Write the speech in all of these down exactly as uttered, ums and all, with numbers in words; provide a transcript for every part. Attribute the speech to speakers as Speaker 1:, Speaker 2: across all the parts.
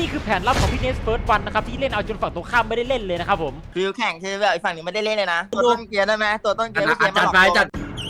Speaker 1: นี่คือแผนลับของพี่เนสเฟิร์สวันนะครับที่เล่นเอาจนฝั่งตรงข้ามไม่ได้เล่นเลยนะครับผม
Speaker 2: ฟิวแข่งคือแบบอีกฝั่งหนึ่งไม่ได้เล่นเลยนะตัวต้นเกียร์ได้ไหมตัวต้นเกียร์ไม่เกียร์
Speaker 3: จัด
Speaker 2: มาหลอก
Speaker 3: ไปจัด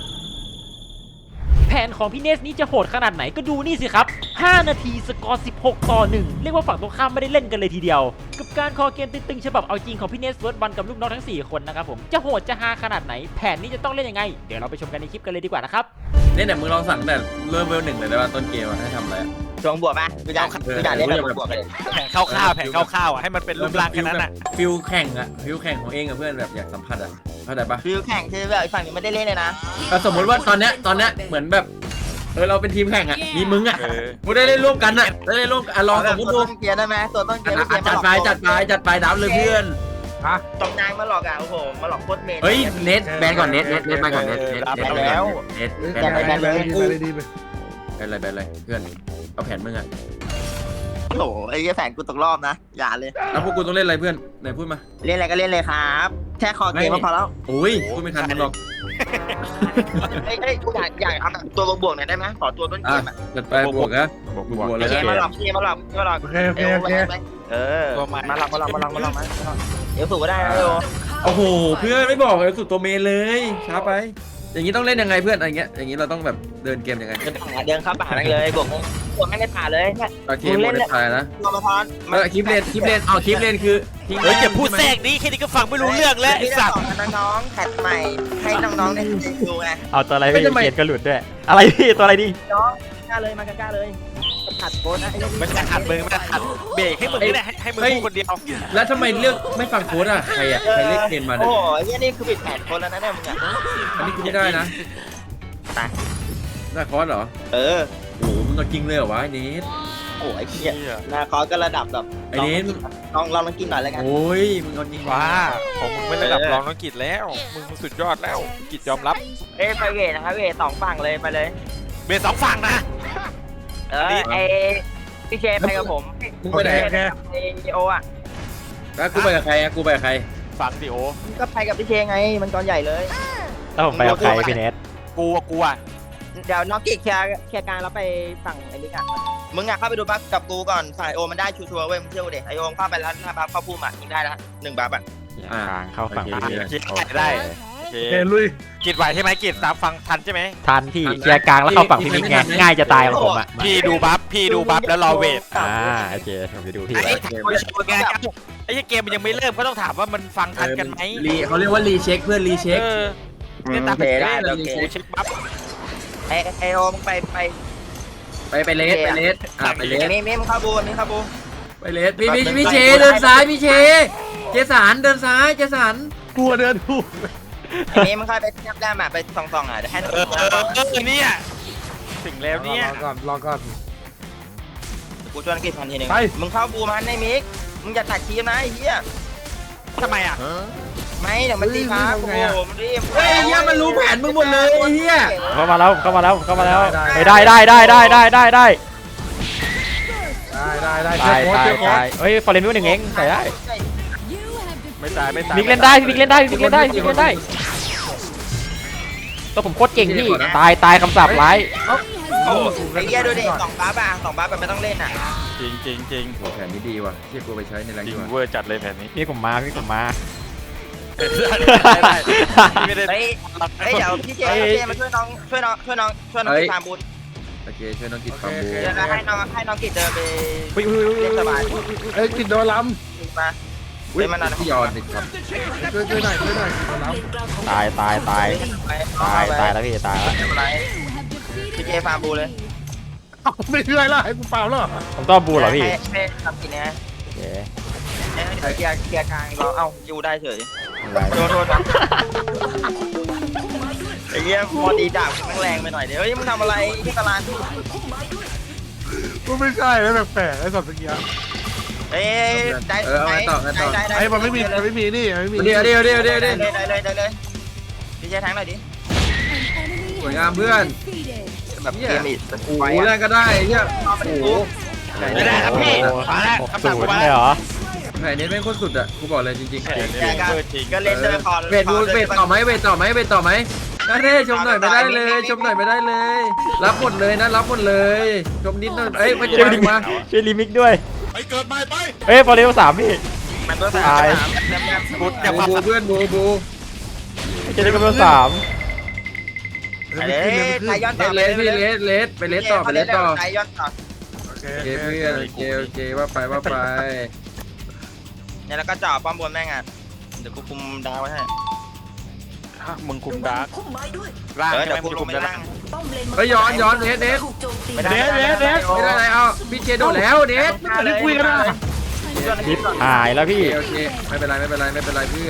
Speaker 1: แผนของพี่เนสนี้จะโหดขนาดไหนก็ดูนี่สิครับห้านาทีสกอร์สิบหกต่อหนึ่งเรียกว่าฝั่งตรงข้ามไม่ได้เล่นกันเลยทีเดียวกับการคอเกมตึงๆฉบับเอาจริงของพี่เนสเฟิร์สวันกับลูกน้องทั้งสี่คนนะครับผมจะโหดจะฮาขนาดไหนแผนนี้จะต้องเล่นยังไงเดี๋ยวเราไปชมกันในคลิปกันเลยดีกว่านะครับ
Speaker 3: เนี่ยเนี่ยมึงลองสั่งแต่เริ่มเวลหนึ่งเลยได้ป่ะต้นเกมให้ทำอะไร
Speaker 2: ช่วงบวกป่ะกูอยากกูอยากเล่นแบบบวกเลย
Speaker 4: แผงข้าวๆแผงข้าวๆอ่ะให้มันเป็นรูปร่างแค่นั้นอ่ะ
Speaker 3: ฟิลแข่งอะฟิลแข่งของเองกับเพื่อนแบบอยากสัมผัสอะเข้าใจปะ
Speaker 2: ฟิวแข่งคือแบบอีกฝั่งหนึ่งไม่ได้เล่นเลยนะ
Speaker 3: แต่สมมติว่าตอนเนี้ยตอนเนี้ยเหมือนแบบเออเราเป็นทีมแข่งอะมีมึงอะมึงได้เล่นร่วมกันอะได้เล่นร่วมกันลองสมมติ
Speaker 2: ตัว
Speaker 3: ดู
Speaker 2: ต้นเกียร์ได้ไหมตัวต้นเกียร์ไม่เกียร์มา
Speaker 3: จั
Speaker 2: ห
Speaker 3: ด
Speaker 2: ลอก
Speaker 3: ไปจัดไปจัดไปดับเลยเพื่อน
Speaker 2: ตรงนางมาหลอกอ่ะโอ้โหมาหลอกโคตรเมน
Speaker 3: เฮ้ยเน็ตแบนก่อนเน็ตเน็ตเน็ตไปก่อนเน็ตเน็ตเน็ตแล้วเน็ตแบนแบนเลยกูแบนเลยแบนเลยเพื่อนเอาแผนมึงอะ
Speaker 2: โอ้โหไอ้แฝงกูตกรอบนะอย่าเลย
Speaker 3: แล้วพวกกูต้องเล่นอะไรเพื่อนไหนพูดมา
Speaker 2: เล่นอะไรก็เล่นเลยครับแค่คอเกมก็พอแล้ว
Speaker 3: โอ้ยพูดไม่ทันมึงหรอก
Speaker 2: เฮ้ยเฮ้ยกูอยากอยากเอาแบบตัวบวกหน่อยได้ไหมขอตัวต้นเก
Speaker 3: อ่ะ
Speaker 2: มอ่ะ
Speaker 3: จัดไปบวกนะบวกบวกเลย
Speaker 2: เกมมาหลอกเกมมาหลอกมาหลอก
Speaker 5: โอเคโอเคโอเค
Speaker 2: เออมาหลอกมาหลอกมาหลอกมาหลอกมาเดี๋ยวฝึกก็ได้นะโย
Speaker 3: โอ้โหเพื่อนไม่บอกเลยสุดตัวเมนเลยช้าไป อย่างนี้ต้องเล่นยังไงเพื่อนอะไรเงี้ยอย่างนี้เราต้องแบบเดินเกมยังไง
Speaker 2: เดินป่าเดินเข้าป่านั่งเลยบวกบวกไม่ได้ป่าเลยเนี่ย
Speaker 3: โอเคหมดเลยถ่ายนะ
Speaker 2: รอมาพร
Speaker 3: เออคลิปเลนคลิปเลนเอาคลิปเลนคือทิ้ง
Speaker 4: เฮ้ยอย่าพูดแทรกนี้แค่นี้ก็ฟังไม่รู้เรื่องแล้วไอ้สัตว์
Speaker 2: น้องๆแพทใหม่ให้น้องๆได้ดูไง
Speaker 1: เอาตัวอะไรพี่เกียร์ก็หลุดด้วยอะไรพี่ตัวอะไรดี
Speaker 2: น้องกล้าเลยมากล้าเลยขัดโบนนะ
Speaker 4: มันจะขัดมึงมันจะขัดเบรกให้มึงนี่แหละให้มึงพูดคนเดียว
Speaker 3: แล้วทำไมเลือกไม่ฟังโค้ดอ่ะใครอ่ะใครเลือกเกมมา
Speaker 2: โอ้
Speaker 3: เนี่ย
Speaker 2: โหนี่คือปิดแผนคนแล้วนะเนี่ยมึงอ่ะ
Speaker 3: อันนี้กูไม่ได้นะ
Speaker 2: ตาย
Speaker 3: ได้คอร์สเหรอ
Speaker 2: เออ
Speaker 3: โอ้โหมึงเอาจริงเลยเหรอวะไอ้เนส
Speaker 2: โอ้ยเหี้ยนาคอก็ระดับแบบ
Speaker 3: ไอ้เนส
Speaker 2: ลองลองลองกินหน่อยแล้วกัน
Speaker 3: โอ้ยมึงเอาจริง
Speaker 4: ว้าของมึงไม่ระดับรองน้องกิจแล้วมึงสุดยอดแล้วกิจยอมรับ
Speaker 2: เอ้ไปเวทนะครับเวทสองฝั่งเลยไปเลย
Speaker 4: เบสสองฝั่งนะ
Speaker 2: เออไอพี่เชฟไปกับผม
Speaker 3: มึงไปไหน
Speaker 2: ไอโออ่ะ
Speaker 3: แล้วกูไปกับใครอ่ะกูไปกับใคร
Speaker 4: ฝั่งดิโอ
Speaker 2: ก็ไปกับพี่เชฟไงมันกองใหญ่เลย
Speaker 1: แล้วผมไปกับใครพี่เนส
Speaker 4: กูอะกูอะ
Speaker 2: เดี๋ยวน้องกิ๊กเคลียร์เคลียร์กลางแล้วไปฝั่งไอ้นี่กันมึงอ่ะเข้าไปดูบัฟกับกูก่อนฝ่ายโอมันได้ชัวร์ๆเว้ยมึงเชื่อกูดิไอโอเข้าไปแล้วถ้าบัฟเข้าพุ่มอ่ะยิงได้แล้วหนึ่งบัฟอ่ะ
Speaker 1: ทางเข้าฝั่ง
Speaker 3: โอ
Speaker 1: พี่
Speaker 3: เค
Speaker 4: คิดได้โอเค
Speaker 5: โอเคลุย
Speaker 4: กิจไหวใช่ไหมกิจตามฟังทันใช่ไหม
Speaker 1: ทันพี่เกียร์กลางแล้วเข้าฝั่งพี่มิกไงง่ายจะตายของผมอ่ะ
Speaker 4: พี่ดูบัฟพี่ดูบัฟแล้วรอเวท
Speaker 1: อ่าโอเคผมไปดูพี่
Speaker 4: ไอ้ถามไงไอ้เกมมันยังไม่เริ่มก็ต้องถามว่ามันฟังทันกันไหม
Speaker 3: รีเขาเรียกว่ารีเช็คเพื่อนรีเช็ค
Speaker 4: เออเนี่ยตาม
Speaker 2: โอเคได้โอเค
Speaker 4: เช็คบัฟ
Speaker 2: ไอไอโอมึงไปไป
Speaker 3: ไปไปเลสไปเลสอ่ะไปเลส
Speaker 2: มีมีมึงเข้าบูมีเข้าบู
Speaker 3: ไปเลสพี่พี่พี่เชเดินซ้ายพี่เชเจสันเดินซ้ายเจสัน
Speaker 5: กลัวเดินถูก
Speaker 2: ไอ้นี่มึงเข้าไปแนบแนบอ่ะไปส่องๆอ่ะเดี๋ยวให้
Speaker 4: เออเออเออเนี่ยถึงแล้วเนี่ย
Speaker 5: รอก่อนรอก่อน
Speaker 2: กูชวนกิจพันทีหนึ่ง
Speaker 5: ไป
Speaker 2: มึงเข้าบูมันในมิกมึงอย่าตัดทีมนะไอ้เหี้ย
Speaker 4: ทำไมอ่ะ
Speaker 2: ไม่เดี๋ยวมันตีครับโอ้โหมันรีบ
Speaker 3: เฮ้ยเฮียมันรู้แผนมึงหมดเลยไอ้เฮีย
Speaker 1: เข้ามาแล้วเข้ามาแล้วเข้ามาแล้วได้ได้ได้ได้ได้ได้ได้
Speaker 5: ได้ได้ได้
Speaker 1: ตาย
Speaker 5: เชื่อ
Speaker 1: ตาย
Speaker 5: โค้ชเชื่อโค้
Speaker 1: ตา
Speaker 5: ช
Speaker 1: ยเฮ้ยฟอร์เรนวิวหนึ่งเองใส่ได้
Speaker 4: ไม่ตายไม่ตาย
Speaker 1: มิกเล่นได้มิกเล่นได้มิกเล่นได้มิกเล่นได้ตัวผมโคตรเก่งพี่ตายตายคำสาปร้าย
Speaker 2: โอ้โหไอ้เหี้ยดูดิสองบ้าป่ะสองบ้าแบบไม่ต้องเล่นอ่ะ
Speaker 4: จริงจริงจริง
Speaker 3: โหแผนนี้ดีว่ะเชี่ยกูไปใช้ในแรง
Speaker 4: จริ
Speaker 3: ดี
Speaker 4: ง
Speaker 3: กว่า
Speaker 4: เวอร์จัดเลยแผนนี้
Speaker 1: พี่ผมมาพี่ผมมา
Speaker 4: ไม่ได้
Speaker 2: เฮ้ยเฮ้ยเดี๋ยวพี่เจพี่เจมาช่วยน้องช่วยน้องช่วยน้องช่วยน้องกิจตามบูธ
Speaker 3: โอเคช่วยน้องกิจฟังบู
Speaker 2: เดี๋ยวนะให้น้องให้น้องกิจเดินไป
Speaker 1: อุ้ยอุ้ยอุ้ย
Speaker 2: เล่นสบาย
Speaker 5: เอ้ยกินโดนล้
Speaker 2: มาเล่นมานาน
Speaker 3: พี่ยอนติดครับ
Speaker 5: ำช่วยช่วยหน่อยช่วยหน่อยโดนล้
Speaker 1: ตายตายตายตายตายแล้วพี่ตายแล้ว
Speaker 2: พี่เจฟาร์มบูเลย
Speaker 5: ำไม่ช่วยละให้กูเปล่าหรอ
Speaker 1: ผมต้องบูเหรอพี่
Speaker 2: ให้ทำกินนะ
Speaker 1: โอเค
Speaker 2: เกียร์เกียร์กลางเราเอ้ายูได้เฉย
Speaker 1: ได้
Speaker 2: โทษโทษนะไอ้เงี้ยพอดีดาบแม่งแรงไปหน่อยเดี๋ยวเฮ้ยมึงทำอะไรที่ตลาด
Speaker 5: กูไม่ใช่แล้วแปลกๆไอ้สัตว์ตะเกียบ
Speaker 2: เอ้ยได้
Speaker 3: เออเอาไงต่อไงต่อ
Speaker 2: ได้
Speaker 5: ไอ้มันไม่มีมันไม่มีนี่มันไม่มี
Speaker 3: เดี๋ยวเดี๋ยวเดี๋ยวเดี๋ยว
Speaker 2: ได้
Speaker 3: เดี๋ยว
Speaker 2: เลยได้เลยได้เลยพี่เจแทงหน่อยดิ
Speaker 3: สวยงามเพื่อน
Speaker 2: แบบเกมอีก
Speaker 3: โอ้โหแรงก็ได้เฮีย
Speaker 2: โอ้โห
Speaker 4: ไม่ได้ครับพี่มาแล้ว
Speaker 1: หก
Speaker 4: คำ
Speaker 1: ศู
Speaker 4: สั่ง
Speaker 1: น
Speaker 4: กู
Speaker 1: ย์
Speaker 4: มา
Speaker 1: เลย
Speaker 4: แล้ว
Speaker 1: เหรอ
Speaker 3: แผนนี้แม่งโคตรสุดอ่ะกูบอกเลยจริง
Speaker 4: แผนนี้
Speaker 2: แกก็
Speaker 4: เวอร์จริง
Speaker 2: ก็เล่นเจอคอ
Speaker 3: ๆเวทบูเวทต่อไหมเวทต่อไหมเวทต่อไหมนั่นเด้ชมหน่อยไม่ได้เลยชมหน่อยไม่ได้เลย รับหมดเลยนะรับหมดเลยชมนิดหน่อยเอ้ยมา
Speaker 1: ช่วย
Speaker 3: จะ
Speaker 1: ลิมิก
Speaker 3: มา
Speaker 1: ช่วยลิมิกด้วย
Speaker 6: ไปเกิดใหม่ไป
Speaker 1: เฮ้ยฟอเรสสามพี่
Speaker 2: มันตัวสาม
Speaker 1: ตาย
Speaker 2: สามแนมแนม
Speaker 4: บุญอย่า
Speaker 3: บู
Speaker 4: พา
Speaker 3: บูเพื่อนบูบู
Speaker 1: เจเดกับเบลสาม
Speaker 2: ไปเลยไทยย้อน
Speaker 3: เล
Speaker 2: ต่อ
Speaker 3: สเลสพี่เลสเลสไปเลสต่อไปเลสต่อ
Speaker 2: ไทยย้อนต่อ
Speaker 5: โอเค
Speaker 3: โอเคเพื่อนโอเคโอเคว่าไปว่าไป
Speaker 2: เนี่ยแล้วก็จ่อป้อมบนแม่งอ่ะเดี๋ยวกูคุมดาวไว้ให้
Speaker 4: มึงคุมดาร์ก
Speaker 7: พุ่มไม้ด้วย
Speaker 4: ล่าง
Speaker 2: เออ
Speaker 4: ใช่
Speaker 2: เดี๋
Speaker 4: ไห
Speaker 2: ยว
Speaker 4: ม
Speaker 2: กู
Speaker 4: มึง
Speaker 2: ล
Speaker 4: คุ
Speaker 2: ง
Speaker 4: ม
Speaker 2: ไป
Speaker 4: ดาร์ก
Speaker 2: ล่าง
Speaker 7: ป้อมเลน
Speaker 3: เฮ้ยย้อนย้อนเนสเนส
Speaker 7: ถูกโจมตี
Speaker 2: ไม่ได้
Speaker 1: เดสเดส
Speaker 3: ไม่ได้อะไรเอาพี่เจโดดแล้วเนส
Speaker 2: ไม่ได้คุยกันนะ
Speaker 1: ทิปหายแล้วพี่
Speaker 3: โอเคไม่เป็นไรไม่เป็นไรไม่เป็นไรเพื่อน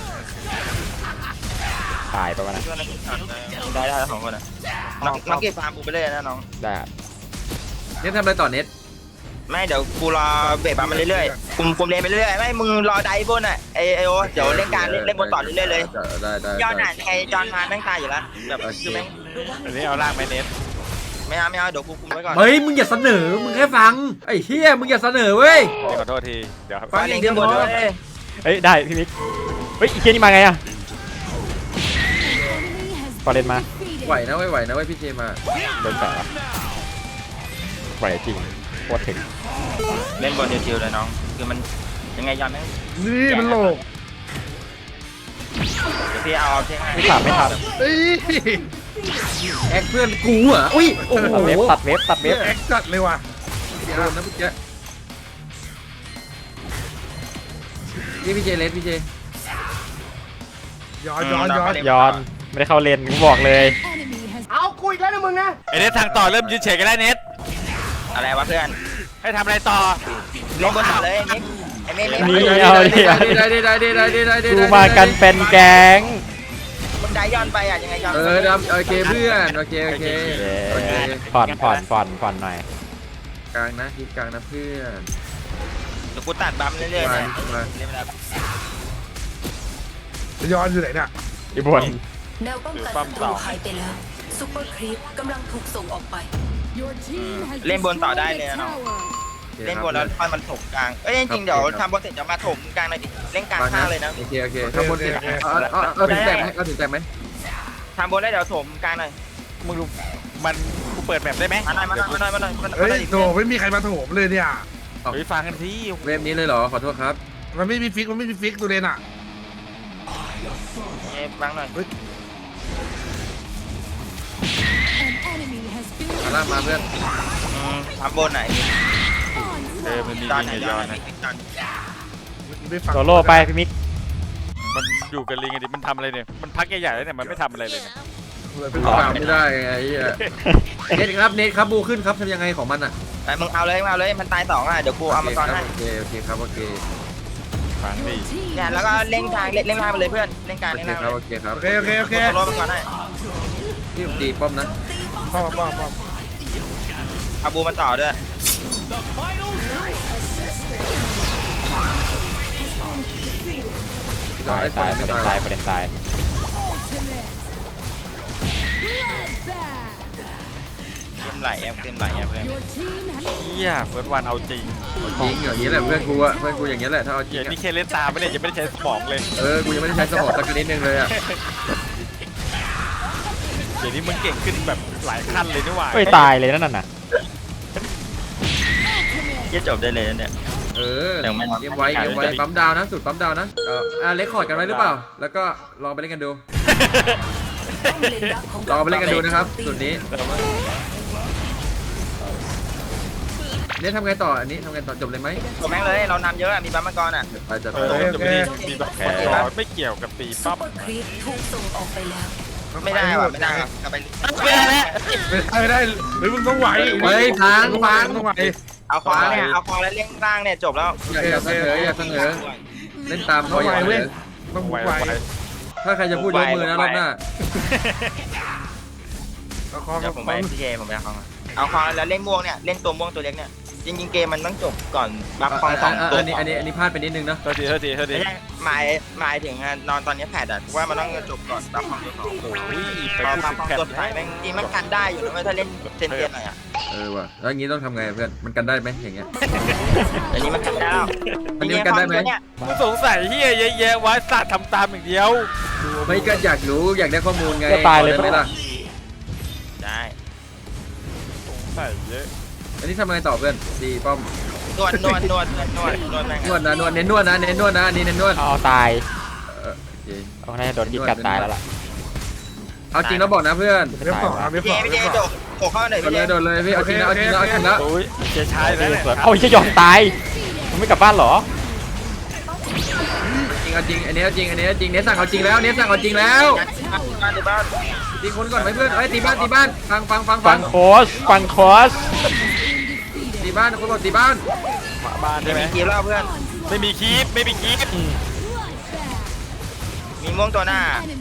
Speaker 1: หายไปวะนะ
Speaker 2: ได้ได้สองคนอ่ะน้องน้องเก็บฟาร์มกูไปเลยนะน้อง
Speaker 1: ได้
Speaker 3: เนสทำอะไรต่อเนส
Speaker 2: ไม่เดี๋ยวกูรอเบรกปั๊มมาเรื่อยๆคุมคุมเลนไปเรื่อยๆไม่มึงรอไดบนอ่ะไอไอโอเดี๋ยวเล่นการเล่นเล่นบนต่อเรื่อยๆเลย
Speaker 3: ได้ได้
Speaker 2: ย้อนอ่ะยังไงจอนมาแม่งตายอยู่แล้วแบบคือแม่ง
Speaker 4: อันนี้เอาล่างไปเน็ต
Speaker 2: ไม่เอาไม่เอาเดี๋ยวกูคุมไว้ก่อน
Speaker 3: เฮ้ยมึงอย่าเสนอมึงแค่ฟังไอ้เฮียมึงอย่าเสนอเว้ย
Speaker 4: ขอโทษทีเดี๋ยว
Speaker 3: ฟังอย่างเดียวพอ
Speaker 1: เฮ้ยได้พี่มิกเฮ้ยอีเคียนี่มาไงอะฟอเรนมา
Speaker 3: ไหวนะเว้ยไหวนะเว้ยพี่เจมา
Speaker 1: โดนแฝงไหวจริงโคตรถึง
Speaker 2: เล่นบนเดียวๆเลยน้องคือมันยังไงย้อนแม่ง
Speaker 5: นี่มันโลก
Speaker 2: เดี๋ยวพี่เอาเอาเช็คให้
Speaker 1: ไม่ทันไม่ทัน
Speaker 5: เอ้ย
Speaker 3: แอคเพื่อนกูเหรออุ้ยโอ้โห
Speaker 1: ตัดเว็บตัดเว็บตัดเว็บ
Speaker 5: แอคจัดเลยว่ะ
Speaker 3: โดนนะพี่เจนี่พี่เจเลสพี่เจ
Speaker 5: ย้อนย้อนย้อน
Speaker 1: ย้อนไม่ได้เข้าเลนกูบอกเลย
Speaker 4: ไอเน็ตทางต่อเริ่มยืนเฉยกันแล้วเน็ต
Speaker 2: อะไรวะเพื่อน
Speaker 4: ให้ทำอะไรต่อ
Speaker 2: เล่นบนต่อเลยนิกไอ้เมฆเมฆ
Speaker 1: นี่เอาดิเอาดิ
Speaker 3: ได้ได้ได้ได้ได้ได้ได้
Speaker 1: กูมากันเป็นแก๊ง
Speaker 2: มึงได้ย้อนไปอ่ะยังไงย้อน
Speaker 3: เออดำโอเคเพื่อนโอเคโอเคโอเค
Speaker 1: ผ่อนผ่อนผ่อนผ่อนหน่อย
Speaker 3: กลางนะคิดกลางนะเพื่อน
Speaker 2: เดี๋ยวกูตัดบัมเรื่อยๆ
Speaker 3: มา
Speaker 2: เนี่ย
Speaker 3: มา
Speaker 2: เล่นไปแล้ว
Speaker 5: ย้อนอยู่ไหนเนี่ย
Speaker 1: อีบน
Speaker 7: แนวป้องกันศัตรูหายไปแล้วซุปเปอร์ครีปกำลังถูกส่งออกไป
Speaker 2: เล่นบนต่อได้เลยนะน้องเล่นบนแล้วค่อยมันถมกลางเอ้ยจริงๆเดี๋ยวทำบนเสร็จจะมาถมกลางหน่อยดิเล่นกลางข้างเลยนะ
Speaker 3: โอเคโอเคข้างบนเสร็จเอาเอาเอาถึงแตกไหมเอาถึงแตกไหม
Speaker 2: ทำบนได้เดี๋ยวถมกลางหน่อย
Speaker 4: มึงดูมันกูเปิดแบบได้ไหม
Speaker 2: มาหน่อยมาหน่อยมาหน่อยมาหน่อยมาหน่อย
Speaker 5: เฮ้ย
Speaker 2: ดิ
Speaker 5: โถไม่มีใครมาโถมเลยเนี่ย
Speaker 4: ไปฟังกันที่
Speaker 3: เวฟนี้เลยเหรอขอโทษครับ
Speaker 5: มันไม่มีฟิกมันไม่มีฟิกตัวเลนอ่ะ
Speaker 2: เอ้ยบังหน่อย
Speaker 3: มาล่ามาเพื่อน
Speaker 2: อืมทำบนไหน
Speaker 4: เออมันมี
Speaker 2: จอน
Speaker 4: ยิง
Speaker 2: ไหน
Speaker 4: กับ
Speaker 2: จ
Speaker 4: ย้
Speaker 2: อ
Speaker 4: อน น
Speaker 2: ไหน
Speaker 4: นะ
Speaker 2: จอน
Speaker 5: ไม่ฟัง
Speaker 1: โซโล่ไปพี่มิก
Speaker 4: มันอยู่กับลิงไงดิมันทำอะไรเนี่ยมันพักใหญ่ๆแล้วเนี่ยมันไม่ทำอะไรเลยเนี่ย
Speaker 3: ฟังไม่ได้ไงเน็ตครับเน็ตครับบูขึ้นครับทำยังไงของมันอ่ะ
Speaker 2: ไปมึงเอาเลยมึงเอาเลยมันตายสองอ่ะเดี๋ยวกูเอามาก่อนให้
Speaker 3: โอเคโอเคครับโอเค
Speaker 4: ฟังดิ
Speaker 2: เนี่ยแล้วก็เล่นทางเล่นเล่นทางไปเลยเพื่อนเล่นกลาง
Speaker 3: โอ
Speaker 2: เล่น
Speaker 3: เค
Speaker 2: ทาง
Speaker 3: ครับโอเคครับ
Speaker 5: โอเคโอเคโอเค
Speaker 2: โซโล่ไปก่อนให้
Speaker 3: ที่ตีป้อมนะ
Speaker 5: ป้อมป้อมป้อม
Speaker 2: เอาบูมันต่อด้วย
Speaker 1: ตายตายประเด็นตายประเด็นตาย
Speaker 2: เต็มไหลแอมเต็มไหลแอมเพื่อน
Speaker 4: เฮียเฟิร์สวันเอาจริง
Speaker 3: จริงอย่างนี้แหละเพื่อนกูอะเพื่อนกูอย่างนี้แหละถ้าเอาจริ
Speaker 4: เฮี
Speaker 3: ง
Speaker 4: ย
Speaker 3: อะ
Speaker 4: นี่แค่เล่นตามไม่ได้ยังไม่ได้ใช้สมองเลย
Speaker 3: เออกูยังไม่ได้ใช้สมองสักนิดนึงเลยอะ
Speaker 4: เดี๋ยวนี้มึงเก่งขึ้นแบบหลายขั้นเลยนี่หว่า
Speaker 1: เฮ้ยตายเลยนั่นน่ะ
Speaker 2: เยี่ยจบได้เลยเนี่ย
Speaker 3: เออ
Speaker 2: เดี๋ยวไม่
Speaker 3: เกมไว้เกมไว้ปั๊มดาวนะสุดปั๊มดาวนะเอออ่าเล็กคอร์ดกันไว้หรือเปล่าแล้วก็ลองไปเล่นกันดู
Speaker 7: ป้อมเลนดักของ
Speaker 3: ลองไปเล่นกันดูนะครับสุดนี้เนี่ยทำไงต่ออันนี้ทำไงต่อจบเลยไหม
Speaker 2: จบแม่งเลยเรานำเยอะอะมีบัมมังกรอ่ะ
Speaker 3: ไปจัด
Speaker 4: เอ
Speaker 3: ไป
Speaker 4: อจะไม่ได้มีแบบแผลไม่เกี่ยวกับตี
Speaker 7: ซุ
Speaker 4: ปั๊
Speaker 7: ป
Speaker 4: บ
Speaker 7: เปอร์ครีปถูกส่งออกไปแล้ว
Speaker 2: ไม่ได้ว่ะไม่ได้ว่ะกลับไป
Speaker 4: ไม่ได้แล้ว
Speaker 5: ไม่ได้หรือมึงต้องไหว
Speaker 3: เฮ้ยพังพัง
Speaker 5: ต้องไหว
Speaker 2: เอาควางเนี่ยเอาควางแล้วเล่นล่างเนี่ยจบแล้ว
Speaker 3: อย่าอย่าเสนออย่าเสนอเล่นตามเขาอย่าเสนอ
Speaker 5: ต้อง
Speaker 4: ไหว
Speaker 5: ไหว
Speaker 4: ไหว
Speaker 3: ถ้าใครจะพูดยกมือนะรอบหน้า
Speaker 5: เอาคอ
Speaker 2: เดี๋ยวผมไปพีเคผมไปเอาควางเอาควางแล้วเล่นม่วงเนี่ยเล่นตัวม่วงตัวเล็กเนี่ยจริงๆเกมมันต้องจบก่อนบัฟควางสองตัว
Speaker 3: อันนี้อันนี้อันนี้พลาดไปนิดนึงเนาะ
Speaker 4: โทษทีโทษทีโทษที
Speaker 2: ไม่ใช่หมายหมายถึงนอนตอนนี้แผดอ่ะว่ามันต้องจบก่อนบัฟควางตัวสอง
Speaker 4: โอ้ยไป
Speaker 2: พอ
Speaker 4: พูด
Speaker 2: บัฟ
Speaker 4: ถึง
Speaker 2: ควาง
Speaker 4: แพท
Speaker 2: ตัวสุดท้ายแม่งจริงมันกันได้อยู่นะเว้ยถ้าเล่นเซนเซียนหน่อยอ่ะ
Speaker 3: เออว่ะแล้วอย่างนี้ต้องทำไงเพื่อนมันกันได้ไหมอย่างเงี้ย
Speaker 2: อันนี้มันกันได้แล้ว
Speaker 3: อันนี้มันกันได้ไหม
Speaker 2: เนี่ย
Speaker 4: กูสงสัยเฮียเยอะแยะว่าสัตว์ทำตามอย่างเดียว
Speaker 3: ไม่ก็อยากรู้อยากได้ข้อมูลไง
Speaker 1: ก็ตายเลย
Speaker 3: ได้ไหมล่ะ
Speaker 2: ได้
Speaker 4: สงสัยเยอะ
Speaker 3: อันนี้ทำไงต่อเพื่อนตีป้อม
Speaker 2: นวดนวดนวดนวดนวดแม่ง
Speaker 3: นวดนะนวดเน้นนวดนะเน้นนวดนะอันนี้เน้นนวด
Speaker 1: เอาตาย
Speaker 3: เออโอเค
Speaker 1: เอาน่าจะโดนกินกัดตายแล้วล่ะ
Speaker 3: เอาจริงแล้วบอกนะเพื่อน
Speaker 5: เว็บสองเว็บ
Speaker 2: พี่
Speaker 5: ส
Speaker 2: เจ
Speaker 5: อง
Speaker 2: พี่
Speaker 5: เว็
Speaker 2: เจ
Speaker 5: บสอง
Speaker 2: โดดโผล่เข้าหน่อย
Speaker 3: โด
Speaker 2: พี่
Speaker 3: น
Speaker 2: เจ
Speaker 3: เลยโดนเลยพี่เอาจริงแล้วเอาจริงแล้วเอาจริงแล้ว
Speaker 4: โอ้ยเจ๊ชายเลย
Speaker 1: เอาไอ้เจ้ายอมตายมันไม่กลับบ้านเหรอ
Speaker 3: จริงเอาจริงอันนี้เอาจริงอันนี้เอาจริงเนสสั่งเอาจริงแล้วเนสสั่งเอาจริงแล้ว
Speaker 2: บ้านในบ้าน
Speaker 3: ตีคนก่อนไหมเพื่อนเอ้ยตีบ้านตีบ้านฟังฟังฟัง
Speaker 1: ฟังโคสฟังโคส
Speaker 3: ตีบ้านคนบอกตีบ้าน
Speaker 4: มาบ้านใช่ไหม
Speaker 2: กีบแล้วเพื่อน
Speaker 4: ไม่มีคีปไม่มีคีป
Speaker 1: อืม
Speaker 2: มีม่วงตัวหน้า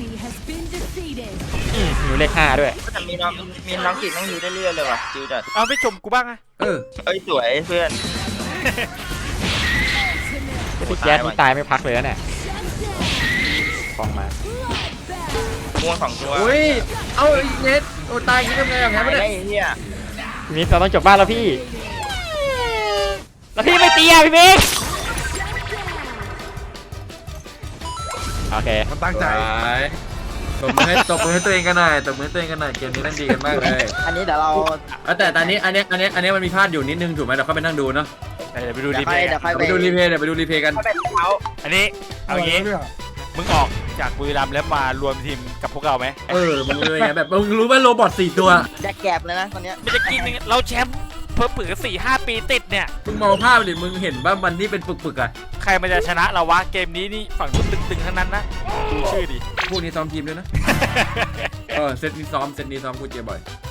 Speaker 1: อืมอยู่เลขห้าด้วย
Speaker 2: แต่มีน้องมีน้องกีบนั่งอยู่เรื่อยๆเลยว่ะจิวจัด
Speaker 4: เอาไม่ชมกูบ้างอะ
Speaker 3: เออ
Speaker 2: เอ้ยสวยเพื่อน
Speaker 1: พี่แจ๊สนี่ตายไม่พักเลยนะเนี่ยฟองมา
Speaker 2: ม่วงสองตัว
Speaker 3: อุ้ยเอาไอ้เนสโอ้ตายคิดทำไงแบบนี้ไม่
Speaker 2: ได้
Speaker 3: ได้
Speaker 2: ไอ้เหี้ย
Speaker 1: พี่มิกเราต้องจบบ้านแล้วพี่ แล้วพี่ไม่ตีอ่ะพี่มิกโอเค
Speaker 5: มันตั้งใจ
Speaker 3: ตบมือให้ตบมือให้ตัวเองกันหน่อยตบมือให้ตัวเองกันหน่อยเกมนี้เล่นดีกันมากเลย
Speaker 2: อันนี้เดี๋ยวเรา
Speaker 3: เออแต่ตอนนี้อันนี้อันนี้อันนี้มันมีพลาดอยู่นิดนึงถูกไหมเดี๋ยวเข้าไปนั่งดูเนาะ
Speaker 4: เดี๋ยวไปดู
Speaker 2: เดี๋
Speaker 4: รี
Speaker 2: ยว
Speaker 4: เพ
Speaker 2: ค่อย
Speaker 4: ย์
Speaker 2: เดี๋ยวค่อย
Speaker 3: ไปดูรีเพย์เดี๋ยวไปดูรีเพย์กัน
Speaker 2: เข้าไปเขา
Speaker 4: อันนี้เอาอย่างงี้มึงออกจากบุรีรัมย์แล้วมารวมทีมกับพวกเราไหม
Speaker 3: เออมึงเลยไงแบบมึงรู้ว่าโรบอทสี่ตัว
Speaker 2: แจกแกบเลยนะตอนเนี้ย
Speaker 4: ไม่จะกินยังไงเราแชมป์เพิ่มปืนสี่ห้าปีติดเนี่ย
Speaker 3: มึงมองภาพดิมึงเห็นว่ามันที่เป็นปึกๆอ่ะ
Speaker 4: ใครมันจะชนะเราวะเกมนี้นี่ฝั่งนู้นตึงๆทั้งนั้นนะดูชื่อดิ
Speaker 3: พวกนี้ซ้อมทีมด้วยนะ เออเซตนี้ซ้อมเซตนี้ซ้อมกูเจอบ่อย